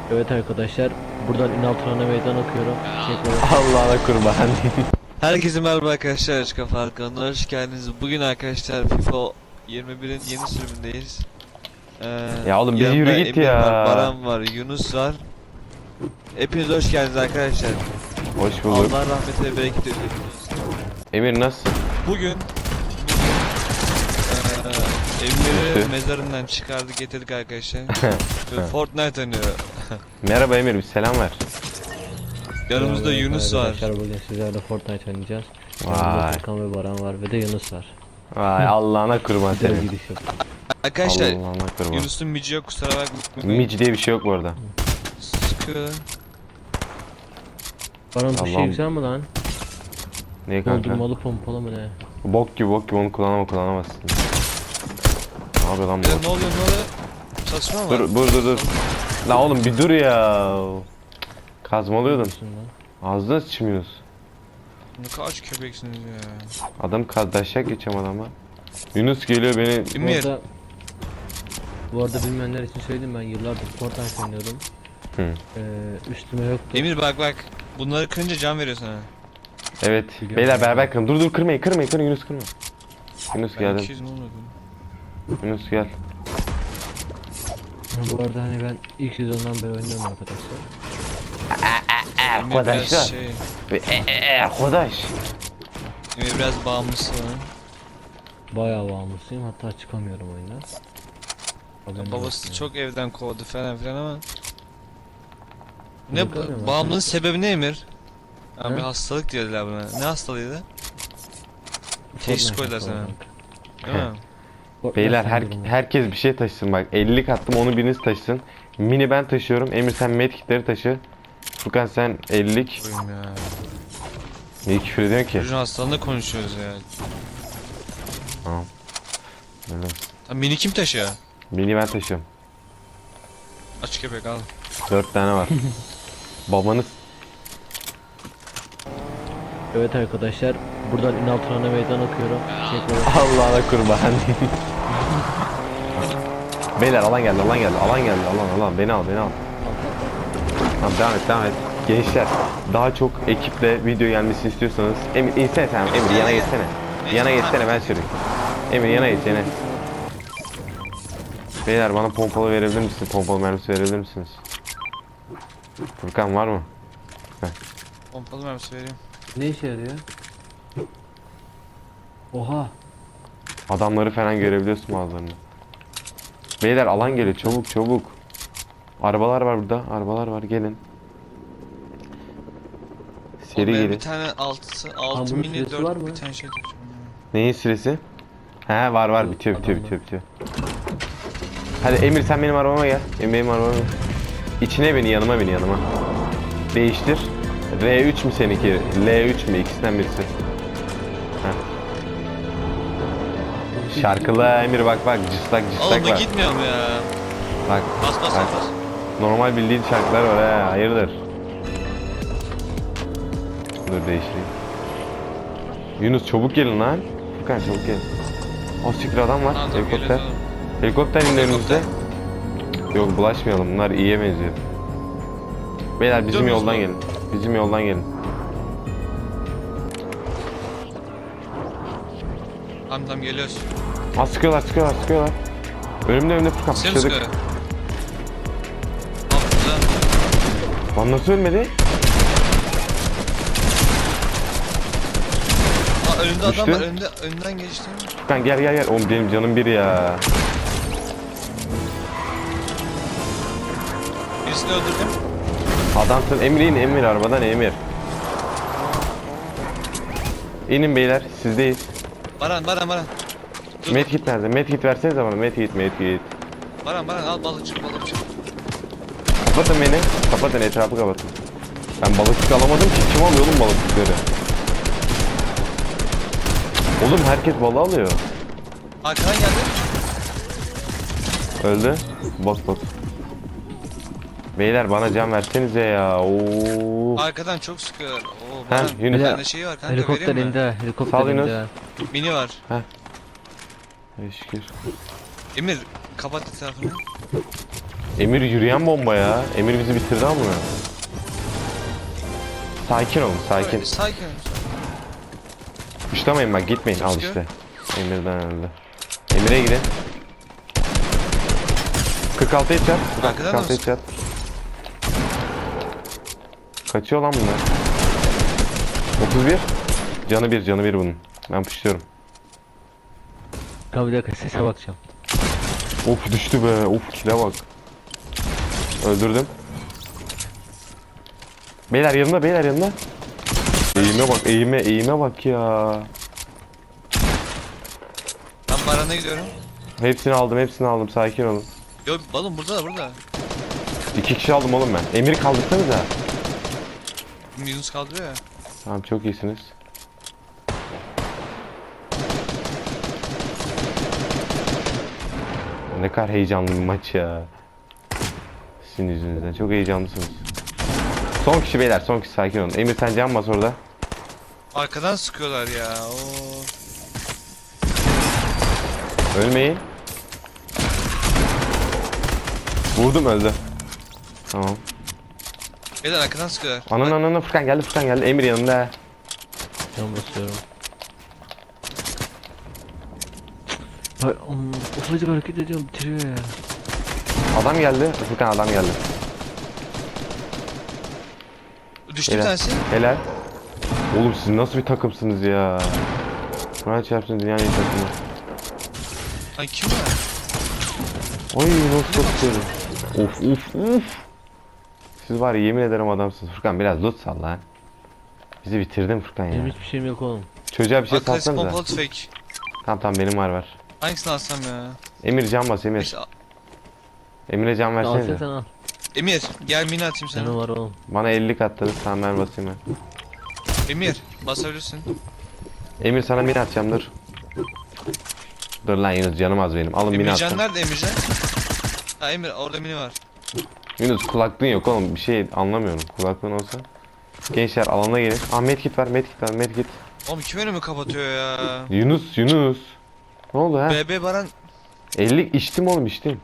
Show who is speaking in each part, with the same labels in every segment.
Speaker 1: Evet arkadaşlar, buradan Ünal Turan'a meydan okuyorum.
Speaker 2: Allah'ına kurban.
Speaker 3: Herkese merhaba arkadaşlar, Açık Kafa kanalına hoş geldiniz. Bugün arkadaşlar FIFA 21'in yeni sürümündeyiz.
Speaker 2: Ya oğlum bir
Speaker 3: yanımda
Speaker 2: yürü git
Speaker 3: Emir
Speaker 2: ya.
Speaker 3: var, Baran var, Yunus var. Hepiniz hoş geldiniz arkadaşlar.
Speaker 2: Hoş bulduk.
Speaker 3: Allah rahmet ve bereket eylesin.
Speaker 2: Emir nasıl?
Speaker 3: Bugün Emir'i mezarından çıkardık getirdik arkadaşlar. Fortnite oynuyor.
Speaker 2: Merhaba Emir, bir selam ver.
Speaker 3: Yanımızda
Speaker 1: Evet
Speaker 3: Yunus var.
Speaker 1: arkadaşlar, bugün sizlerle Fortnite oynayacağız.
Speaker 2: Vay.
Speaker 1: Yanımda Furkan ve Baran var ve de Yunus var.
Speaker 2: Vay Allah'ına kurban
Speaker 1: Bir de
Speaker 2: senin.
Speaker 1: gidiş yok.
Speaker 3: Arkadaşlar
Speaker 2: Allah'ına kurban.
Speaker 3: Yunus'un mici yok, kusura bakmayın.
Speaker 2: Mic diye bir şey yok bu arada.
Speaker 3: Sıkıyor.
Speaker 1: Baran bu
Speaker 2: Allah'ım.
Speaker 1: şey güzel mi lan?
Speaker 2: Ne kanka?
Speaker 1: Doldurmalı pompalı mı ne?
Speaker 2: Bok gibi onu kullanamazsın. Ne yapıyor lan bu?
Speaker 3: Ne oluyor? Saçma mı?
Speaker 2: Dur. La oğlum bir dur ya. Kazmalıyordum.
Speaker 1: Diyorsun lan?
Speaker 2: Ağzına sıçmıyoruz.
Speaker 3: Ne kaç köpeksiniz ya.
Speaker 2: Adam daşak geçeceğim adama. Yunus geliyor beni.
Speaker 3: Emir.
Speaker 1: Bu arada bilmeyenler için söyleyeyim, ben yıllardır Fortnite oynuyorum.
Speaker 2: Hı.
Speaker 1: Üstüme yoktu.
Speaker 3: Emir bak. Bunları kırınca can veriyor sana.
Speaker 2: Evet.
Speaker 1: Biliyorum.
Speaker 2: Beyler beraber kırın. Dur kırmayın Yunus kırma. Yunus
Speaker 3: Ben
Speaker 2: geldim.
Speaker 3: 200 mi olmadı?
Speaker 2: Yunus gel.
Speaker 1: Bu arada hani ben ilk sezondan beri oynuyorum arkadaşlar.
Speaker 3: Emir biraz
Speaker 2: Arkadaşlar.
Speaker 3: şey.
Speaker 2: Arkadaş.
Speaker 3: Emir biraz bağımlısı.
Speaker 1: Bayağı bağımlısıyım, hatta çıkamıyorum oyundan. Haberiniz
Speaker 3: Babası
Speaker 1: olsun
Speaker 3: çok evden kovdu falan filan ama. Ne
Speaker 1: Yok öyle mi?
Speaker 3: bağımlılığın sebebi ne Emir? Abi
Speaker 1: He?
Speaker 3: hastalık diyorlar buna. Ne hastalığıydı?
Speaker 1: yani.
Speaker 3: Teşhis
Speaker 1: Fortnite
Speaker 3: koydular sana.
Speaker 1: hastalığı.
Speaker 3: Değil mi?
Speaker 1: Fortnite
Speaker 2: Beyler
Speaker 1: sendromu.
Speaker 2: herkes bir şey taşısın bak. 50'lik attım, onu biriniz taşısın. Mini ben taşıyorum. Emir sen medkitleri taşı. Furkan sen 50'lik.
Speaker 3: Oyun ya.
Speaker 2: Niye küfür ediyorsun ki?
Speaker 3: Çocuğun hastalığında konuşuyoruz ya.
Speaker 2: Tamam. Öyle.
Speaker 3: Ha, mini kim taşıyor?
Speaker 2: Mini ben taşıyorum.
Speaker 3: Aç köpek al.
Speaker 2: 4 tane var. Babanız.
Speaker 1: Evet arkadaşlar, buradan Ünal Turan'a meydan okuyorum.
Speaker 2: Allah'ına kurban. Beyler alan geldi. Alan beni al. Tamam devam et. Gençler daha çok ekiple video gelmesini istiyorsanız Emir insene sen, Emir yana geçsene ben süreyim. Emir yana geç. Beyler bana pompalı verebilir misiniz? Pompalı mermisi verebilir misiniz? Furkan var mı?
Speaker 3: Pompalı mermisi vereyim.
Speaker 1: Ne işe yarıyor? Oha!
Speaker 2: Adamları falan görebiliyorsun bazılarını. Beyler alan geliyor, çabuk. Arabalar var burada, gelin. Seri
Speaker 3: Benim
Speaker 2: gelin.
Speaker 3: bir tane 6
Speaker 1: bunun
Speaker 3: mini
Speaker 1: süresi
Speaker 3: 4
Speaker 1: var mı?
Speaker 3: bir tane şey tutacağım.
Speaker 2: Neyin süresi? He var bitiyor. Hadi Emir sen benim arabama gel. İçine beni yanıma. Değiştir. R3 mü seninki? L3 mü? İkisinden birisi. Heh. Şarkılı Emir bak cıstak
Speaker 3: Oğlum da
Speaker 2: var.
Speaker 3: gitmiyorum ya.
Speaker 2: Bak.
Speaker 3: Bas.
Speaker 2: Normal bildiğin şarkılar var ha. Hayırdır? Dur değiştireyim. Yunus çabuk gelin lan. Furkan çabuk gelin. O siktir adam var.
Speaker 3: Tamam,
Speaker 2: Helikopter.
Speaker 3: geliyoruz oğlum.
Speaker 2: Helikopter indi önümüzde. Yok bulaşmayalım. Bunlar iyiye benziyor. Beyler bizim
Speaker 3: Gidiyor
Speaker 2: yoldan
Speaker 3: muyuz
Speaker 2: gelin. Bizim yoldan gelin.
Speaker 3: Tamam geliyoruz.
Speaker 2: Ha sıkıyorlar. Önümde Furkan
Speaker 3: Sen
Speaker 2: pışladık.
Speaker 3: sıkıyor. Tamam güzel.
Speaker 2: Lan nasıl ölmedi?
Speaker 3: Aa önünde
Speaker 2: Düştü.
Speaker 3: adam var, önden geçti.
Speaker 2: Furkan gel. Oğlum benim canım bir ya.
Speaker 3: Birisini öldürdüm.
Speaker 2: Adamsın. Emir arabadan Emir. İnin beyler sizdeyiz.
Speaker 3: Baran. Dur.
Speaker 2: Medkit nerede? Medkit versenize bana. Medkit.
Speaker 3: Baran al balıkçı.
Speaker 2: Kapatın beni. Kapatın etrafı kapatın. Ben balıkçık alamadım ki. Kim alıyor oğlum balıkçıkları? Oğlum herkes balığı alıyor.
Speaker 3: Arkadan geldi.
Speaker 2: Öldü. Bot. Beyler bana can versenize ya. Oo.
Speaker 3: Arkadan çok sıkıyor. Oo
Speaker 2: Ha,
Speaker 3: Baran.
Speaker 2: Yunus.
Speaker 3: Bir tane şey var kanka,
Speaker 1: Helikopter
Speaker 3: vereyim mi?
Speaker 1: indi, helikopter
Speaker 2: Sal Yunus.
Speaker 1: indi.
Speaker 3: Mini var.
Speaker 2: Şükür.
Speaker 3: Emir kapat etrafını.
Speaker 2: Emir yürüyen bomba ya. Emir bizi bitirdi ama. Sakin olun, sakin.
Speaker 3: Sakin.
Speaker 2: Kuşlamayın bak, gitmeyin. Al
Speaker 3: Çıkıyor.
Speaker 2: işte. Emir'den öldü. Emir'e gidin. 46 et yat.
Speaker 3: Arkadan da mı
Speaker 2: 46 et yat. Kaçıyor lan bunlar. 31. Canı bir bunun. Ben puşluyorum.
Speaker 1: Kanka bir dakika sese bakacağım.
Speaker 2: Of düştü be. Of kile bak. Öldürdüm. Beyler yanında, beyler yanında. Eğime bak, eğime bak ya.
Speaker 3: Ben barana gidiyorum.
Speaker 2: Hepsini aldım, sakin olun.
Speaker 3: Yok balım burada.
Speaker 2: 2 kişi aldım oğlum ben. Emir'i kaldırsanıza.
Speaker 3: Yunus kaldırıyor ya.
Speaker 2: Tamam, çok iyisiniz. Ne kadar heyecanlı bir maç ya. Sizin yüzünüzden. Çok heyecanlısınız. Son kişi beyler, son kişi, sakin olun. Emir sen can bas orada.
Speaker 3: Arkadan sıkıyorlar ya. Oo.
Speaker 2: Ölmeyin. Vurdum, öldü. Tamam.
Speaker 3: Beyler arkadan sıkıyorlar.
Speaker 2: Ananı Furkan geldi. Emir yanında.
Speaker 1: Can basıyorum. Bak ufacık hareket ediyorum bitiriyor ya.
Speaker 2: Adam geldi. Furkan adam geldi.
Speaker 3: Düştü bir
Speaker 2: Helal.
Speaker 3: tanesi.
Speaker 2: Helal. Oğlum siz nasıl bir takımsınız ya? Kur'an çarpsın dünyanın en iyi takımı.
Speaker 3: Lan kim var?
Speaker 2: Oy nasıl tutuyorum. Of. Siz var ya, yemin ederim adamsınız. Furkan biraz loot sal lan. Bizi bitirdin Furkan
Speaker 1: Benim
Speaker 2: ya.
Speaker 1: hiçbir şeyim yok oğlum.
Speaker 2: Çocuğa bir şey
Speaker 3: Bak klasik
Speaker 2: salsanıza.
Speaker 3: pompalı tüfek.
Speaker 2: Tamam benim var.
Speaker 3: Hangisini alsam ya?
Speaker 2: Emir can bas Emir.
Speaker 3: Neyse,
Speaker 2: Emir'e can
Speaker 1: Al sen
Speaker 2: versene.
Speaker 1: al.
Speaker 3: Emir gel mini atayım sana.
Speaker 1: Canı var oğlum.
Speaker 2: Bana 50 katladın. Tamam ben basayım ben.
Speaker 3: Emir basabilirsin.
Speaker 2: Emir sana mini atacağım, dur. Dur lan Yunus, canım az benim. Alın mini
Speaker 3: Emircan
Speaker 2: attım.
Speaker 3: nerede Emircan? Ha Emir orada mini var.
Speaker 2: Yunus kulaklığın yok oğlum, bir şey anlamıyorum. Kulaklığın olsa. Gençler alana gelin. Ah medkit var.
Speaker 3: Oğlum kim önümü kapatıyor ya?
Speaker 2: Yunus. Ne oldu ha?
Speaker 3: BB Baran
Speaker 2: 50 içtim oğlum, içtim.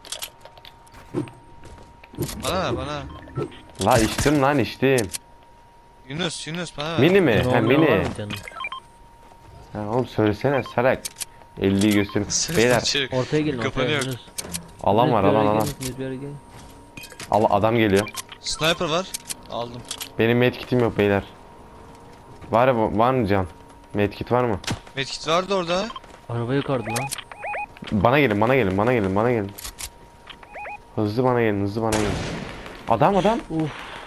Speaker 3: bana.
Speaker 2: La içtim lan, içtim.
Speaker 3: Yunus bana ver.
Speaker 2: Mini mi?
Speaker 1: Canı
Speaker 2: Ha
Speaker 1: olmayan var
Speaker 2: mini.
Speaker 1: mı canım?
Speaker 2: Ha oğlum söylesene sarak. 50'yi gösterin. Beyler
Speaker 3: Çevir.
Speaker 1: Ortaya gelin
Speaker 3: Kafanı
Speaker 1: ortaya.
Speaker 3: yok.
Speaker 1: Yunus.
Speaker 2: alan var, alan.
Speaker 1: Yunus, bir yere gelin.
Speaker 2: Adam geliyor.
Speaker 3: Sniper var. Aldım.
Speaker 2: Benim medkitim yok beyler. Var mı can? Medkit var mı?
Speaker 3: Medkit vardı orada.
Speaker 1: Araba yukarıda lan.
Speaker 2: Bana gelin. Hızlı bana gelin. Adam.
Speaker 1: Uf.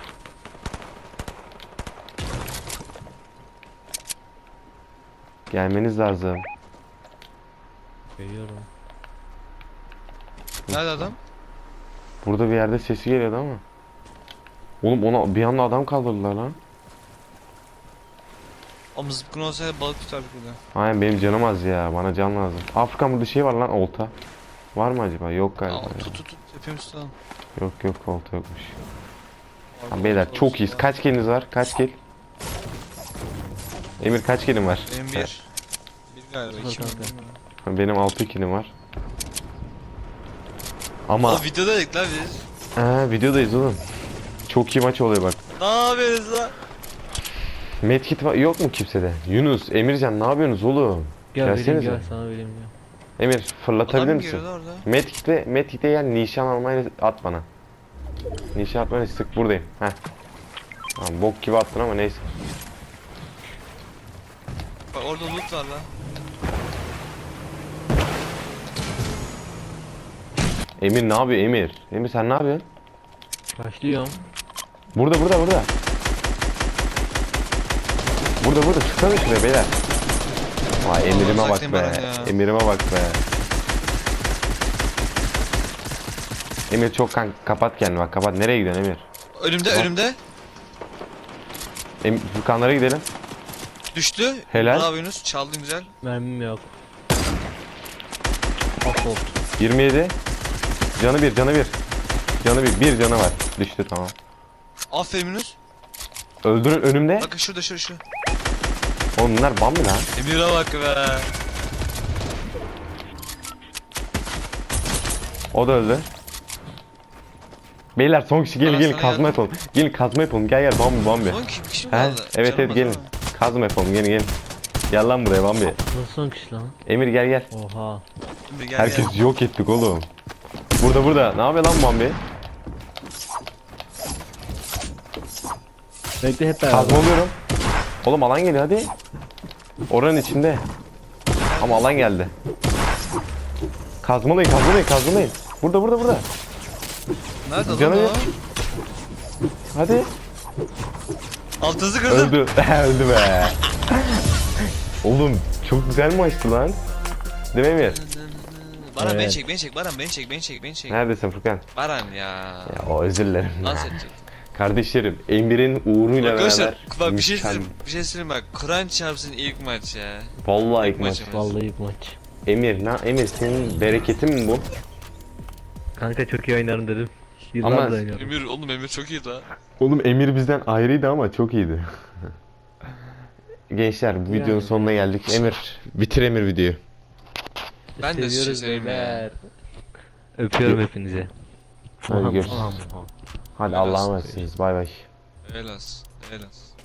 Speaker 2: Gelmeniz lazım.
Speaker 1: Geliyorum.
Speaker 3: Nerede adam?
Speaker 2: Burada bir yerde sesi geliyordu ama. Oğlum ona bir anda adam kaldırdılar lan.
Speaker 3: O mızıkın olsaydı balık tutardık burada.
Speaker 2: Aynen benim canım az ya. Bana can lazım. Afrika burada şey var lan, olta. Var mı acaba? Yok galiba.
Speaker 3: Aa,
Speaker 2: ya.
Speaker 3: tut. Hepimiz tutalım.
Speaker 2: Yok olta yokmuş.
Speaker 3: Orada
Speaker 2: Tamam, beyler
Speaker 3: olsa
Speaker 2: çok
Speaker 3: olsa.
Speaker 2: iyiyiz. Kaç kiliniz var? Kaç kil? Emir kaç kilin var?
Speaker 3: Benim bir. Bir galiba.
Speaker 1: Sıfır
Speaker 3: İki mi?
Speaker 1: kanka.
Speaker 2: Ha, benim 6 kilim var. Ama
Speaker 3: O videodaydık lan biz.
Speaker 2: videodayız oğlum. Çok iyi maç oluyor bak.
Speaker 3: Ne yapıyorsunuz lan?
Speaker 2: Medkit yok mu kimsede? Yunus, Emircan ne yapıyorsunuz oğlum?
Speaker 1: Gel vereyim
Speaker 2: Gelsenize.
Speaker 1: gel sana vereyim ya.
Speaker 2: Emir fırlatabilir
Speaker 3: Adam
Speaker 2: misin?
Speaker 3: geliyordu orada.
Speaker 2: Medkit'e gel, nişan almayı at bana. Nişan atmayı sık, buradayım. Heh. Tamam, bok gibi attın ama neyse.
Speaker 3: Bak orada loot var lan.
Speaker 2: Emir ne yapıyor Emir? Emir sen ne yapıyorsun?
Speaker 1: Başlıyorum.
Speaker 2: Burada. Burada çıksana şuraya beyler. Vay Emir'ime bak
Speaker 3: uzaktayım
Speaker 2: be.
Speaker 3: Baran ya.
Speaker 2: Emir'ime bak be. Emir çok kapat kendini bak, kapat. Nereye gidiyorsun Emir?
Speaker 3: Önümde.
Speaker 2: Furkanlara gidelim.
Speaker 3: Düştü.
Speaker 2: Helal.
Speaker 3: Bravo Yunus. Çaldın güzel.
Speaker 1: Mermim yok. Assault.
Speaker 2: 27. Canı bir. Bir canı var. Düştü, tamam.
Speaker 3: Aferin Yunus.
Speaker 2: Öldürün önümde.
Speaker 3: Bakın şurada.
Speaker 2: Oğlum bunlar bam mı lan?
Speaker 3: Emir'e bak be.
Speaker 2: O da öldü. Beyler son kişi gelin
Speaker 3: Bana
Speaker 2: gelin
Speaker 3: sana
Speaker 2: kazma
Speaker 3: yardım.
Speaker 2: yapalım. Gelin kazma yapalım. Gel gel Bambi Bambi.
Speaker 3: Son kişi mi
Speaker 2: He?
Speaker 3: kaldı?
Speaker 2: Evet
Speaker 3: Canım
Speaker 2: evet gelin.
Speaker 3: az ama.
Speaker 2: Kazma yapalım gelin gelin. Gel lan buraya Bambi.
Speaker 1: Nasıl son kişi lan?
Speaker 2: Emir gel gel.
Speaker 1: Oha.
Speaker 3: Şimdi gel
Speaker 2: Herkes
Speaker 3: gel.
Speaker 2: yok ettik oğlum. Burada. Ne yapıyor lan Bambi?
Speaker 1: Bekle hep beraber.
Speaker 2: Kazma alıyorum. Oğlum alan geliyor hadi. Oranın içinde. Ama alan geldi. Kazmalayın. Burada.
Speaker 3: Nerede lan
Speaker 2: Canım
Speaker 3: o?
Speaker 2: yok. Hadi.
Speaker 3: Altınızı kırdım.
Speaker 2: Öldü. Öldü be. Oğlum çok güzel maçtı lan. Değil mi Emir?
Speaker 3: Baran beni
Speaker 1: Evet.
Speaker 3: çek, beni çek. Baran beni çek.
Speaker 2: Neredesin Furkan?
Speaker 3: Baran ya.
Speaker 2: Ya o özür dilerim.
Speaker 3: Dans edecek.
Speaker 2: Kardeşlerim Emir'in uğruyla
Speaker 3: Arkadaşlar
Speaker 2: beraber
Speaker 3: bak bir şey
Speaker 2: mükemmel-
Speaker 3: söyleyeyim. Bir şey söyleyeyim bak. Kur'an çarpsın ilk maç ya.
Speaker 2: Vallahi ilk maç.
Speaker 3: maçımız.
Speaker 1: Vallahi ilk maç.
Speaker 2: Emir senin bereketin mi bu?
Speaker 1: Kanka çok iyi oynarım dedim.
Speaker 2: Ama-
Speaker 1: Yıllardır oynuyorum.
Speaker 3: Emir çok iyi la.
Speaker 2: Oğlum Emir bizden ayrıydı ama çok iyiydi. Gençler bu videonun
Speaker 1: Yani.
Speaker 2: sonuna geldik. Emir bitir Emir videoyu.
Speaker 3: Ben de şey
Speaker 1: Seviyoruz
Speaker 3: söyleyeyim ya.
Speaker 1: beyler. Öpüyorum hepinizi.
Speaker 2: Hadi görüşürüz.
Speaker 1: Aha.
Speaker 2: Hadi
Speaker 3: Biraz
Speaker 2: Allah'a emanetsiniz. Bay bay.
Speaker 3: Elas.